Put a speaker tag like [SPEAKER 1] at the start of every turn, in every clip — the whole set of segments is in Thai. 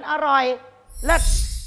[SPEAKER 1] อร่อยเลิศ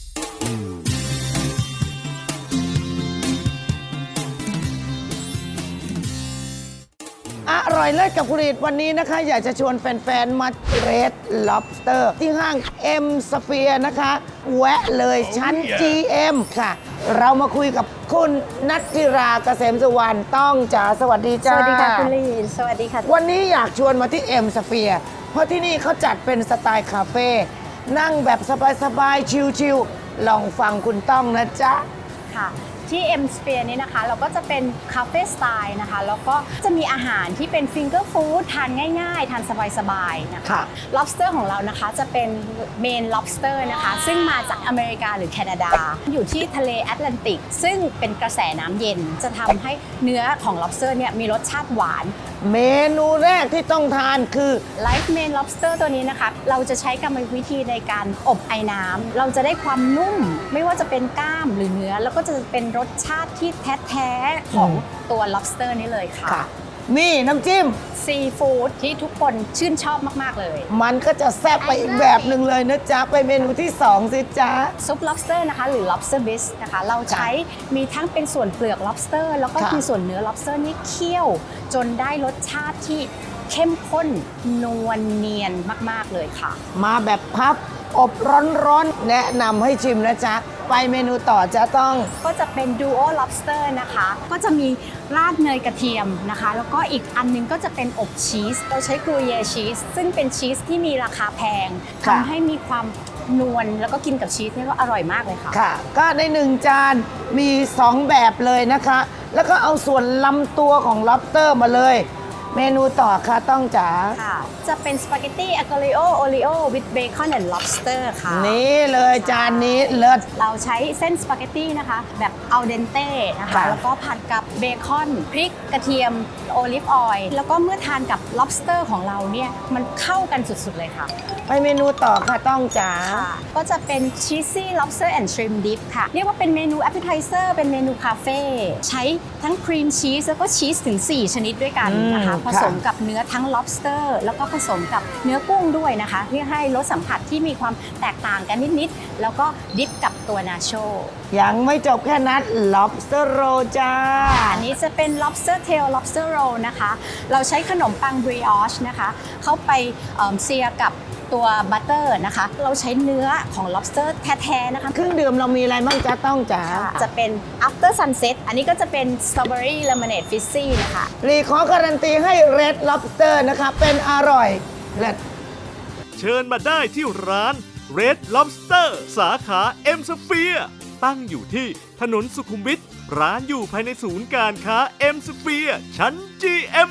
[SPEAKER 1] อร่อยเลิศกับผลิตวันนี้นะคะอยากจะชวนแฟนๆ มาเรด Lobster ที่ห้าง M Sphere นะคะ แวะเลยชั้น GM ค่ะ เรามาคุยกับคุณนัทธิราเกษมสุวรรณต้องจ๋าสวัสดีจ้า
[SPEAKER 2] สวัสดีค่ะคุณลีนสวัสดีค่ะ
[SPEAKER 1] วันนี้อยากชวนมาที่ M Sphere เพราะที่นี่เขาจัดเป็นสไตล์คาเฟ่นั่งแบบสบายๆ ชิลๆ ลองฟังคุณต้องนะจ๊ะ
[SPEAKER 2] ค่ะที่ M Sphere นี้นะคะเราก็จะเป็นคาเฟ่สไตล์นะคะแล้วก็จะมีอาหารที่เป็นฟิงเกอร์ฟู้ดทานง่ายๆ ทานสบายๆนะคะ lobster ของเรานะคะจะเป็นเมน lobster นะคะซึ่งมาจากอเมริกาหรือแคนาดา อยู่ที่ทะเลแอตแลนติกซึ่งเป็นกระแสน้ำเย็นจะทำให้เนื้อของ lobster เนี่ยมีรสชาติหวาน
[SPEAKER 1] เมนูแรกที่ต้องทานคือ
[SPEAKER 2] Live Main Lobster ตัวนี้นะคะเราจะใช้กรรมวิธีในการอบไอ้น้ำเราจะได้ความนุ่มไม่ว่าจะเป็นกล้ามหรือเนื้อแล้วก็จะเป็นรสชาติที่แท้ๆของตัว lobster นี้เลยค่ะ
[SPEAKER 1] นี่น้ำจิ้ม
[SPEAKER 2] ซีฟู้ดที่ทุกคนชื่นชอบมากๆเลย
[SPEAKER 1] มันก็จะแซ่บไปอีกแบบหนึ่งเลยนะจ๊ะ ไปเมนูที่ 2 สิจ๊ะ
[SPEAKER 2] ซุป lobster นะคะหรือ lobster bisque นะคะเราใช้มีทั้งเป็นส่วนเปลือก lobster แล้วก็มีส่วนเนื้อ lobster นี่เคี่ยวจนได้รสชาติที่เข้มข้นนวลเนียนมากๆเลยค่ะ
[SPEAKER 1] มาแบบพับอบร้อนๆ แนะนำให้ชิมนะจ๊ะ ไปเมนูต่อจะต้อง
[SPEAKER 2] ก็จะเป็น duo lobster นะคะก็จะมีราดเนยกระเทียมนะคะแล้วก็อีกอันนึงก็จะเป็นอบชีสเราใช้กรูเยชีสซึ่งเป็นชีสที่มีราคาแพงทำให้มีความนวลแล้วก็กินกับชีสเนี่ยก็อร่อยมากเลยค่ะ
[SPEAKER 1] ค่ะ ก็ใน1 จานมี 2 แบบเลยนะคะ แล้วก็เอาส่วนลำตัวของ lobster มาเลย เมนูต่อค่ะต้องจ๋า
[SPEAKER 2] ค่ะจะเป็นสปาเกตตี้อะโกลิโอโอริโอ with bacon and lobster ค่ะ
[SPEAKER 1] นี่เลยจานนี้เลิศ
[SPEAKER 2] เราใช้เส้นสปาเกตตี้นะคะแบบอัลเดนเต้นะคะ
[SPEAKER 1] ค่ะ
[SPEAKER 2] แล้วก็ผัดกับเบคอนพริกกระเทียมโอลิฟออยล์แล้วก็เมื่อทานกับ lobster ของเราเนี่ยมันเข้ากันสุดๆเลยค่ะ
[SPEAKER 1] ไปเมนูต่อค่ะต้องจ๋า
[SPEAKER 2] ก็จะเป็น cheesy lobster and shrimp dip ค่ะเรียกว่าเป็นเมนู appetizer เป็นเมนูคาเฟ่ใช้ทั้งครีมชีสแล้วก็ชีสถึง 4 ชนิดด้วยกันนะคะผสมกับเนื้อทั้ง lobster แล้วก็ผสมกับเนื้อกุ้งด้วยนะคะเพื่อให้รสสัมผัสที่มีความแตกต่างกันนิดๆแล้วก็ดิปกับตัวนาโช
[SPEAKER 1] ยังไม่จบแค่นั้น lobster roll จ้า
[SPEAKER 2] อันนี้จะเป็น lobster tail lobster roll นะคะเราใช้ขนมปัง brioche นะคะเข้าไปเซียกับตัวบัตเตอร์นะคะเราใช้เนื้อของ lobster แท้ๆนะคะ
[SPEAKER 1] เครื่องดื่มเรามีอะไรบ้างจ๊ะต้องจ๋า
[SPEAKER 2] จะเป็น after sunset อันนี้ก็จะเป็น strawberry lemonade fizzy นะคะ
[SPEAKER 1] รีขอการันตีให้ red lobster นะคะเป็นอร่อยเลิศ
[SPEAKER 3] เชิญมาได้ที่ร้าน Red Lobster สาขา M Sphere ตั้งอยู่ที่ถนนสุขุมวิทร้านอยู่ภายในศูนย์การค้า M Sphere ชั้น GM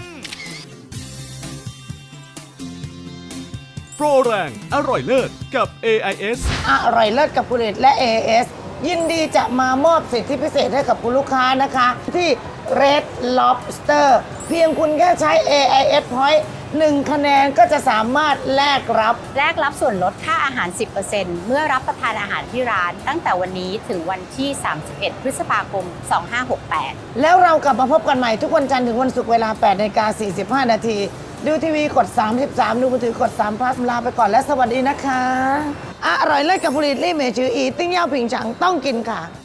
[SPEAKER 3] โปรแรงอร่อยเลิศกับ AIS
[SPEAKER 1] อร่อยเลิศกับผลิตและ AS ยินดีจะมามอบสิทธิพิเศษให้กับคุณลูกค้านะคะ ที่ Red Lobster เพียงคุณแค่ใช้ AIS Point 1 คะแนนก็จะสามารถแลกรับ
[SPEAKER 2] แลกรับส่วนลดค่าอาหาร 10% เมื่อรับประทานอาหารที่ร้านตั้งแต่วันนี้ถึงวันที่ 31 พฤษภาคม 2568
[SPEAKER 1] แล้วเรากลับมาพบกันใหม่ทุกวันจันทร์ถึงวันศุกร์เวลา 8:45 นาทีดูทีวีกด 33 ดูมือถือกด3 plus ลาไปก่อนและสวัสดีนะคะ อร่อยเลิศกับผลิตลี่เมจืออีติ้งเย่าผิงฉังต้องกินค่ะ